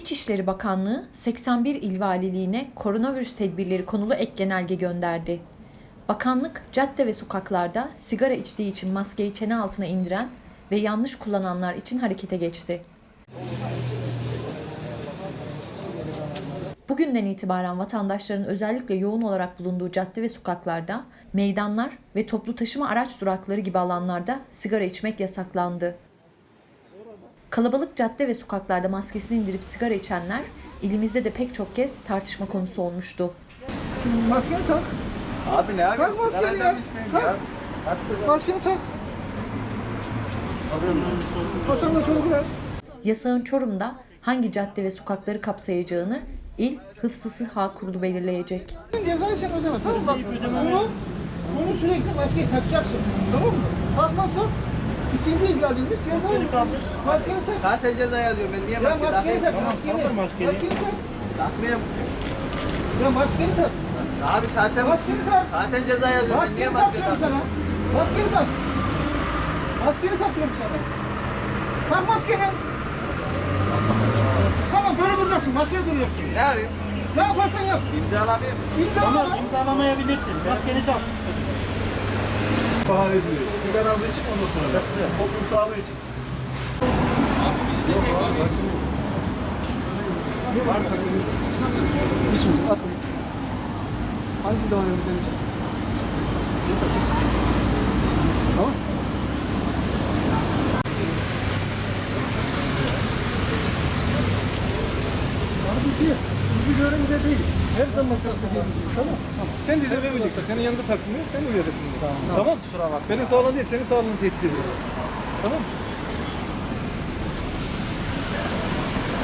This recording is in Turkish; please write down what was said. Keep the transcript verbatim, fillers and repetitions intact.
İçişleri Bakanlığı seksen bir il valiliğine koronavirüs tedbirleri konulu ek genelge gönderdi. Bakanlık, cadde ve sokaklarda sigara içtiği için maskeyi çene altına indiren ve yanlış kullananlar için harekete geçti. Bugünden itibaren vatandaşların özellikle yoğun olarak bulunduğu cadde ve sokaklarda, meydanlar ve toplu taşıma araç durakları gibi alanlarda sigara içmek yasaklandı. Kalabalık cadde ve sokaklarda maskesini indirip sigara içenler ilimizde de pek çok kez tartışma konusu olmuştu. Şimdi maskeni tak. Abi ne abi? Tak maskeni ya. Tak. Maskeni tak. Hasan'la soru biraz. Yasağın Çorum'da hangi cadde ve sokakları kapsayacağını İl Hıfzı Sıha Kurulu belirleyecek. Cezayı sen ödeme. Tamam bak. Bunu, bunu sürekli maskeyi takacaksın. Tamam mı? Takmazsan ikinci ihlalinde cezayı maskeni tak. Zaten ceza yazıyor. Ben niye Ya maske maskeni takayım? tak. Maskeni. Maskeni tak. Takmayayım. Ya maskeni tak. Abi zaten Maskeni tak. zaten ceza yazıyor. Ben niye Maskeni maske tak diyorum takayım? sana. Maskeni tak. Maskeni tak diyorum sana. Tak maskeni. Tamam böyle duracaksın. Maskeni duracaksın. Ne yapayım? Ne yaparsan yap. İmzalamayayım. İmzalama. Tamam, imzalamayabilirsin. Maskeni tak. Bahanesi veriyor. Sigaranızı için ondan sonra. Toplum sağlığı için. Hiç mi? Atma. Hangisi daha önemli senin için? Tamam. Abi bizi, bizi görünce değil. Her zaman takılıyoruz. Tamam. Tamam. Sen de izin vermeyeceksin. Senin yanında takmıyor. Sen uyuyacaksın. Tamam. Tamam. Benim sağlığın değil, senin sağlığını tehdit ediyor. Tamam.